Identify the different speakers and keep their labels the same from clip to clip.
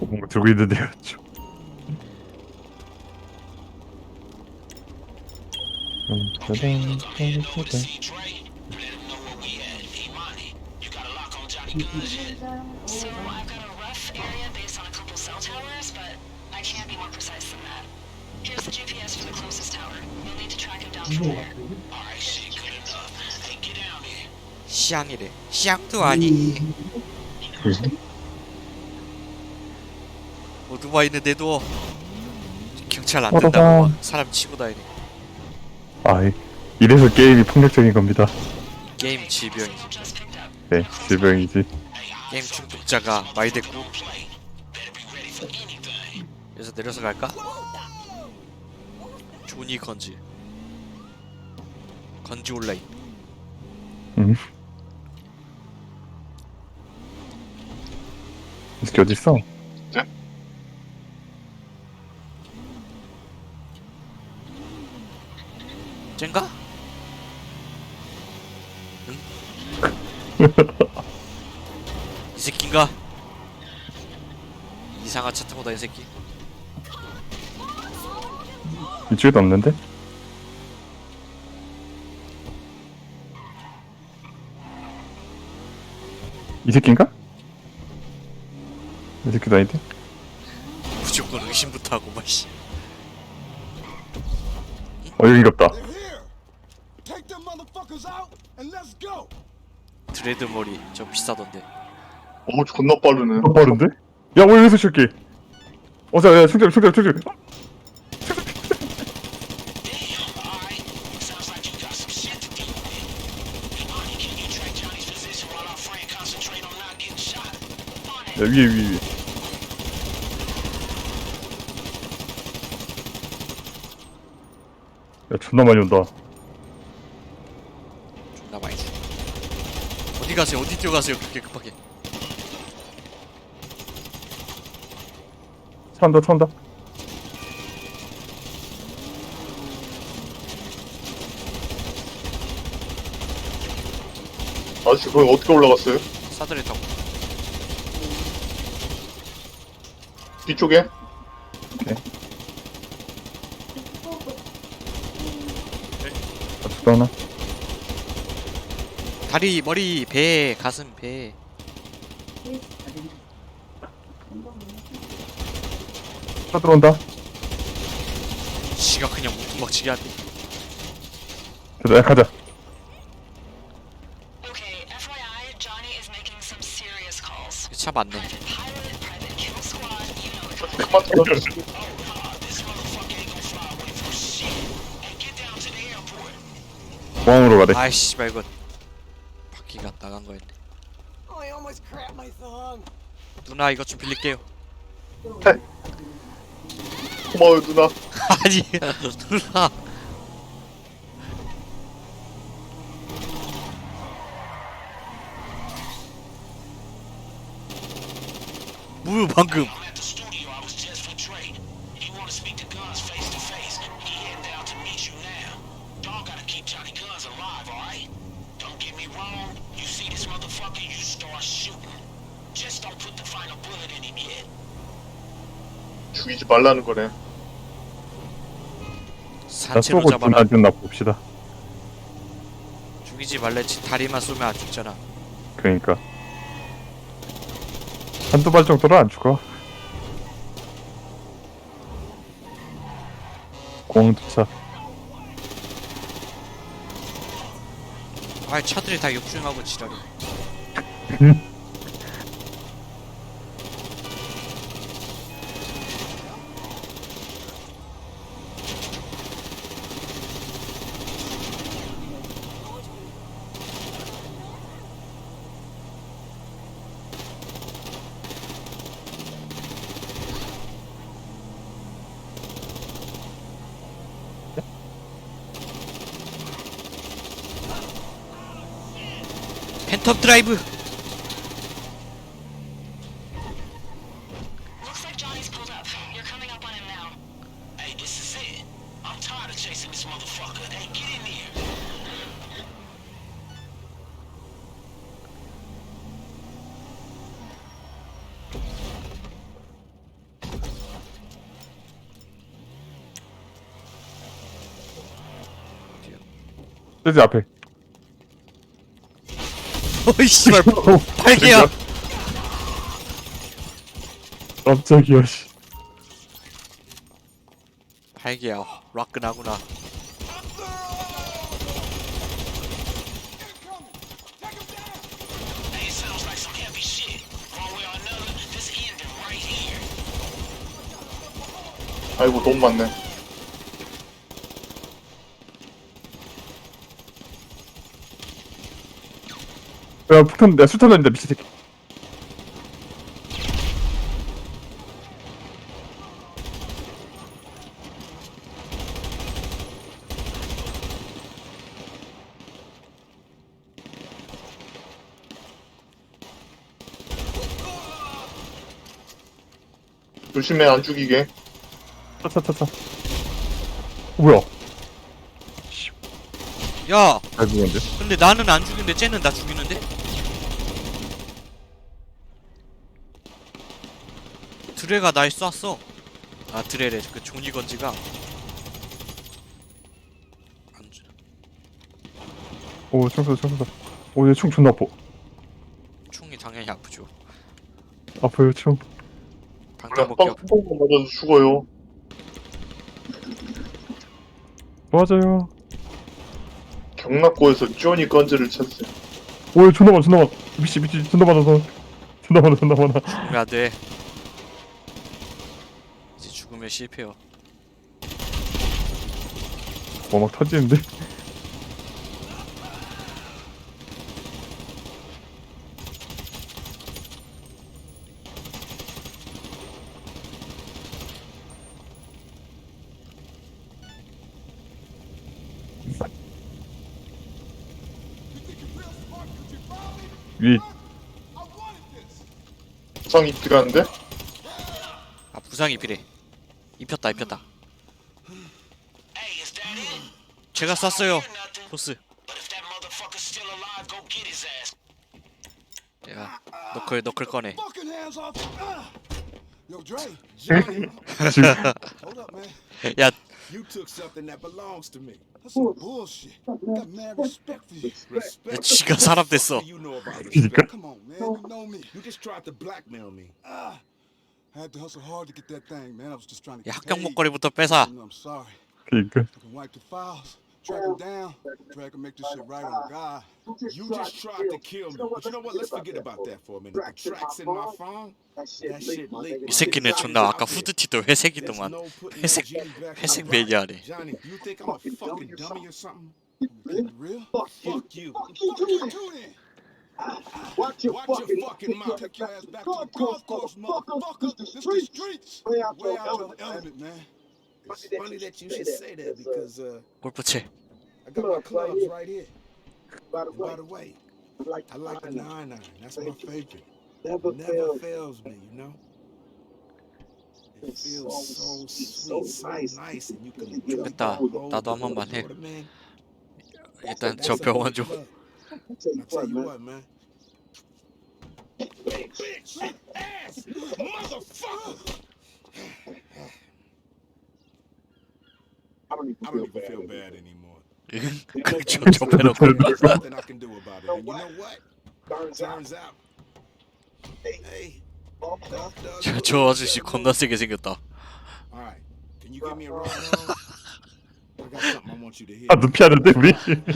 Speaker 1: 뭔가 들고 있는데요. 짜잔, 짜잔.
Speaker 2: So I've got a rough area based on a couple cell towers, but I can't be more precise than that. Here's the GPS for the closest tower. You'll need to track him down from there. Alright, shit, good enough. Hey, get down here.
Speaker 3: 시향이래. 시향도 아니. 오토바이는데도 경찰 안 된다고 막 사람 치고 다니네.
Speaker 1: 아, 이래서 게임이 폭력적인 겁니다.
Speaker 3: 게임 질병이지.
Speaker 2: Just picked up.
Speaker 1: 네, 질병이지.
Speaker 3: 게임 중독자가 많이 됐고. 그래서 내려서 갈까? 조니 건지 온라인.
Speaker 1: 이 새끼 어딨어?
Speaker 3: 쟨가? 응? 이 새끼인가? 이상한 차 타고 다니는 새끼.
Speaker 1: 이쪽에도 없는데? 이 새끼인가? 이 새끼도 아닌데?
Speaker 3: 무조건 의심부터 하고 마씨.
Speaker 1: 여긴가 보다.
Speaker 4: They're here. Take them motherfuckers out and let's go.
Speaker 3: 드레드 머리 저 비싸던데.
Speaker 5: 존나 빠르네.
Speaker 1: 빠른데? 야, 왜 여기서 칠게? 자, 야, 충전.
Speaker 2: Alright. Sounds like you got some shit to deal with. Imani, can you track Johnny's position while our friend concentrate on not getting shot? On it.
Speaker 1: 야, 위에. 야, 존나 많이 온다.
Speaker 3: 존나 많이 주. 어디 가세요? 어디 뛰어가세요? 그렇게 급하게.
Speaker 1: 차 온다.
Speaker 5: 아저씨 거기 어떻게 올라갔어요?
Speaker 3: 사다리 타고.
Speaker 5: 뒤쪽에?
Speaker 1: 아직도 하나?
Speaker 3: 다리, 머리, 배, 가슴, 배.
Speaker 1: 차 들어온다.
Speaker 3: 지가 그냥 무tum박치게 하네.
Speaker 1: 야, 가자.
Speaker 2: Okay, FYI, Johnny is making some serious calls.
Speaker 3: 차 맞네.
Speaker 2: Private pilot, private kill squad, you know the drill.
Speaker 5: 그만 떨어졌어.
Speaker 2: This motherfucker ain't gonna fly away from shit. Hey, get down to the airport.
Speaker 1: 공항으로 가래.
Speaker 3: 아이씨, 이거 바퀴가 나간 거였네.
Speaker 4: I almost crapped my thumb.
Speaker 3: 누나 이거 좀 빌릴게요.
Speaker 5: 고마워요 누나.
Speaker 3: 아니, 누나. 뭐야 방금?
Speaker 2: I'm at the studio. I was just with Dre. He want to speak to Guns face to face. He heading down to meet you now. Dog gotta keep Johnny Guns alive, alright? Don't get me wrong. You see this motherfucker, you start shooting. Just don't put the final bullet in him yet.
Speaker 5: 죽이지 말라는 거네.
Speaker 1: 나
Speaker 3: 산채로
Speaker 1: 쏘고
Speaker 3: 잡아라.
Speaker 1: 누나 봅시다.
Speaker 3: 죽이지 말랬지. 다리만 쏘면 안 죽잖아.
Speaker 1: 그러니까. 한두 발 정도는 안 죽어. 공두차.
Speaker 3: 아, 차들이 다 역주행하고 지랄이. 팬텀 드라이브.
Speaker 2: Looks like Johnny's pulled up. You're coming up on him now. Hey, this is it. I'm tired of chasing this motherfucker. Hey, get in here.
Speaker 1: 저기 앞에.
Speaker 3: 어이 씨발 팔개야.
Speaker 1: 깜짝이야 씨.
Speaker 3: 팔개야. 락근하구나.
Speaker 2: Hey, it sounds like some heavy shit. One way or another, this ending right here.
Speaker 5: 아이고 너무 많네.
Speaker 1: 야 폭탄 내가 수탄 던진다 미친 새끼.
Speaker 5: 조심해 안 죽이게.
Speaker 1: 차차차차. 뭐야?
Speaker 3: 야,
Speaker 1: 잘 죽었는데?
Speaker 3: 근데 나는 안 죽이는데 쟤는 나 죽이는데? 드레가 날 쐈어. 아 드레래. 그 종이 건지가. 안 주.
Speaker 1: 오 총쏘다 총쏘다. 오얘 총 존나 아파.
Speaker 3: 총이 당연히 아프죠.
Speaker 1: 아파요 총.
Speaker 3: 방탄
Speaker 5: 빵
Speaker 3: 복귀.
Speaker 5: 뚜껑 맞아서 죽어요.
Speaker 1: 맞아요.
Speaker 5: 경락고에서 쭈니 건즈를 찾으세요.
Speaker 1: 오얘 존나 많아 존나 많아. 미치 존나 많아서. 존나 많아 존나 많아.
Speaker 3: 죽으면 안 돼. 이제 죽으면 실패요.
Speaker 1: 막 터지는데? 위
Speaker 5: 부상이 필요한데?
Speaker 3: 아 부상이 필요해. 입혔다.
Speaker 2: Hey, is that it?
Speaker 3: 제가 쐈어요.
Speaker 2: Hear nothing.
Speaker 3: 보스.
Speaker 2: But if that motherfucker's still alive, go get his ass.
Speaker 3: 야 너클 꺼내.
Speaker 4: Fucking hands off. Yo, Dre.
Speaker 1: 지금
Speaker 4: Hold up, man.
Speaker 3: 야
Speaker 6: You took something that belongs to me.
Speaker 4: That's some bullshit. Got mad respect for you.
Speaker 6: Respect.
Speaker 3: 지가 사람 됐어.
Speaker 6: What do you know about
Speaker 1: 그니까
Speaker 6: respect?
Speaker 4: Come on, man. You know me.
Speaker 6: You just tried to blackmail me.
Speaker 4: I had to hustle hard to get that thing, man. I was just trying to
Speaker 3: 야
Speaker 4: get
Speaker 3: 합격
Speaker 4: paid.
Speaker 3: 목걸이부터 뺏어.
Speaker 4: I'm sorry.
Speaker 1: 그니까
Speaker 4: I can wipe the files, track them down, drag and make this shit right on God.
Speaker 6: You just tried to kill me. But you know what? Let's forget about that for a minute. The tracks in my phone, that shit leaked.
Speaker 3: 이 새끼는 존나 아까 후드티도 회색이더만.
Speaker 6: There's no putting
Speaker 3: 회색
Speaker 6: that genie back
Speaker 3: 회색
Speaker 6: in my body.
Speaker 3: 매니아네.
Speaker 6: Johnny, you think I'm a fucking dummy or something?
Speaker 4: You real?
Speaker 6: Fuck you.
Speaker 4: Fuck you too then.
Speaker 6: Watch your fucking mouth.
Speaker 4: Take your ass back to the golf course, motherfucker. This the streets. Way out your element, man.
Speaker 6: It's funny that you should say that because
Speaker 3: 골프채.
Speaker 6: I got my clubs right here. And by the way, I like the 9-9. That's my favorite. Never fails me, you know? It feels so sweet, so nice, and you can
Speaker 3: 됐다. 나도 한 번만 해. 일단 저
Speaker 6: That's a
Speaker 3: 병원 좀.
Speaker 6: club. I tell you what, man. Bitch, ass, motherfucker. I don't even feel bad anymore.
Speaker 3: 저 빼놓고.
Speaker 6: There's nothing I can do about it. And you know what? Turns out. Hey.
Speaker 3: 저 아저씨 겁나 세게 생겼다.
Speaker 6: All right. Can you give me a ride home? I got something I want you to hear.
Speaker 1: 아 눈 피하는데 우리?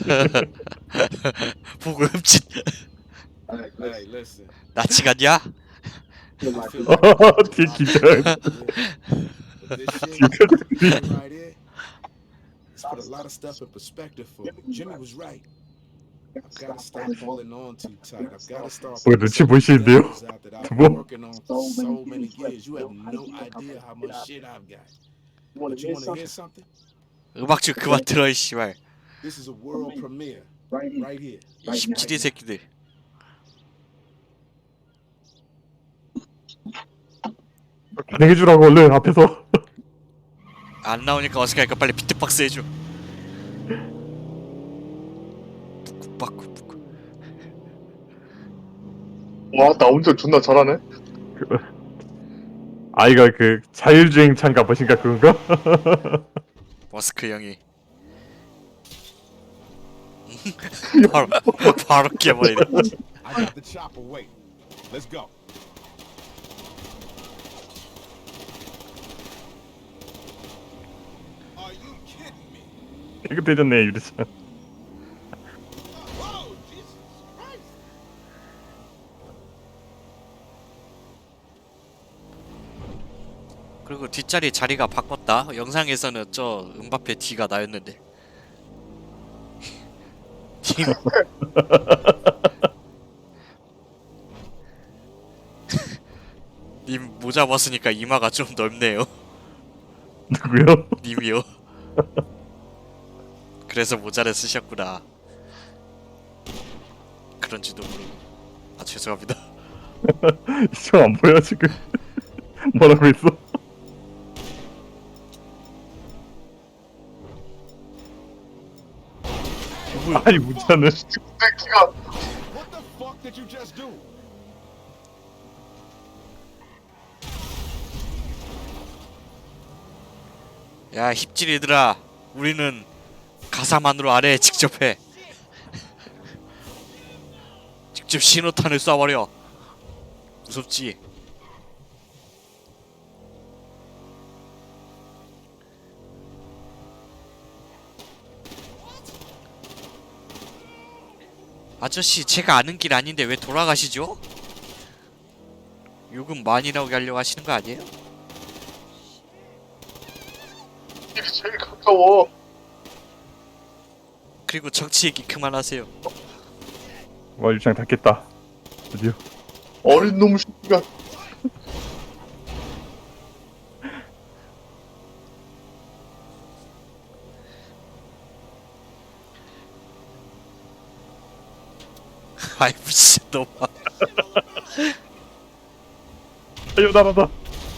Speaker 3: 보고 흠칫.
Speaker 6: Hey, listen.
Speaker 3: 나치 같냐?
Speaker 6: I feel like
Speaker 1: 뒤에 기절.
Speaker 6: this shit right here. It's put a lot of stuff in perspective for me. Jimmy was right. I've got to stop holding on too tight. I've got to start.
Speaker 1: 뭐 눈치 보이시는데요?
Speaker 6: I've
Speaker 1: 뭐?
Speaker 6: been working on for so many years. You have no idea how much shit I've got. But you want to hear something?
Speaker 3: 음악 좀 그만 들어 이 씨발.
Speaker 6: This is a world premiere right here.
Speaker 3: 이 17이 새끼들.
Speaker 1: 반응해주라고 얼른 앞에서.
Speaker 3: 안 나오니까 어색하니까 빨리 비트박스 해줘. 뿌꾸빠꾸뿌꾸.
Speaker 5: 와 나 운전 존나 잘하네.
Speaker 1: 아이가 그 자율주행 차인가 뭐신가 그건가?
Speaker 3: 머스크 형이. 바로 바로 깨버리네.
Speaker 4: I got the chopper waiting. Let's go. Are you kidding me?
Speaker 1: 깨끗해졌네 유리창.
Speaker 4: Whoa, Jesus Christ!
Speaker 3: 그리고 뒷자리 자리가 바꿨다. 영상에서는 저 음바페 뒤가 나였는데. 팀 님 모자 벗으니까 이마가 좀 넓네요.
Speaker 1: 누구요?
Speaker 3: 님이요. 그래서 모자를 쓰셨구나. 그런지도 모르고. 아 죄송합니다.
Speaker 1: 이쪽 안 보여 지금. 뭐라고 했어? 아니 문자는
Speaker 5: 새끼가
Speaker 4: What the fuck did you just do?
Speaker 3: 야 힙질이들아, 우리는 가사만으로 아래에 직접 해. 직접 신호탄을 쏴버려. 무섭지? 아저씨 제가 아는 길 아닌데 왜 돌아가시죠? 요금 많이 나오게 하려고 하시는 거 아니에요?
Speaker 5: 길이 제일 가까워.
Speaker 3: 그리고 정치 얘기 그만하세요.
Speaker 1: 와 유리창 닫겠다. 드디어.
Speaker 5: 어린 놈 새끼가.
Speaker 3: 아이 미친놈아.
Speaker 1: 아유 나라다.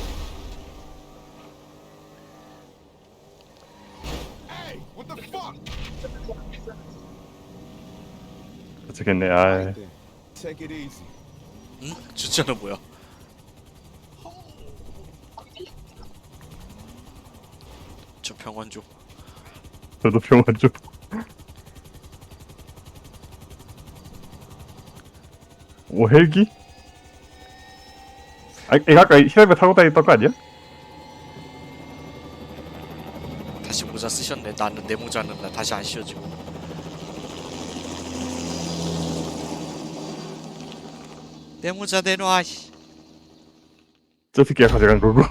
Speaker 4: Hey, what the fuck?
Speaker 1: 어쩌겠네. 아
Speaker 4: Right then. Take it easy.
Speaker 3: 응? 주차는 뭐야? 저 병원 좀.
Speaker 1: 저도 병원 좀. 오 헬기? 아 이거 아까 히라베 타고 다녔던 거 아니야?
Speaker 3: 다시 모자 쓰셨네. 나는 내 모자는 나 다시 안 씌워지고. 내 모자 내놔. 씨.
Speaker 1: 저 새끼가 가져간 거고.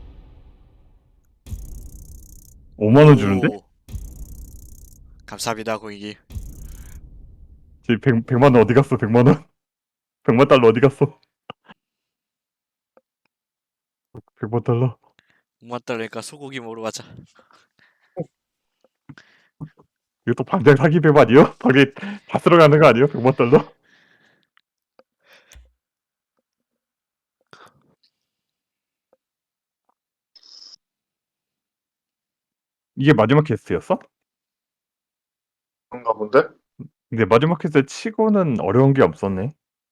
Speaker 1: 5만 원 주는데?
Speaker 3: 오. 감사합니다 고객님.
Speaker 1: 제 100만 원 어디 갔어? 100만 원? 100만 달러 어디 갔어? 100만 달러.
Speaker 3: 5만 달러니까 소고기 먹으러 가자.
Speaker 1: 이거 또 방장 사기 뱀 아니요? 방에 다 쓸어가는 거 아니에요? 100만 달러? 이게 마지막 퀘스트였어?
Speaker 5: 그런가 본데?
Speaker 1: 근데 마지막 퀘스트 치고는 어려운 게 없었네.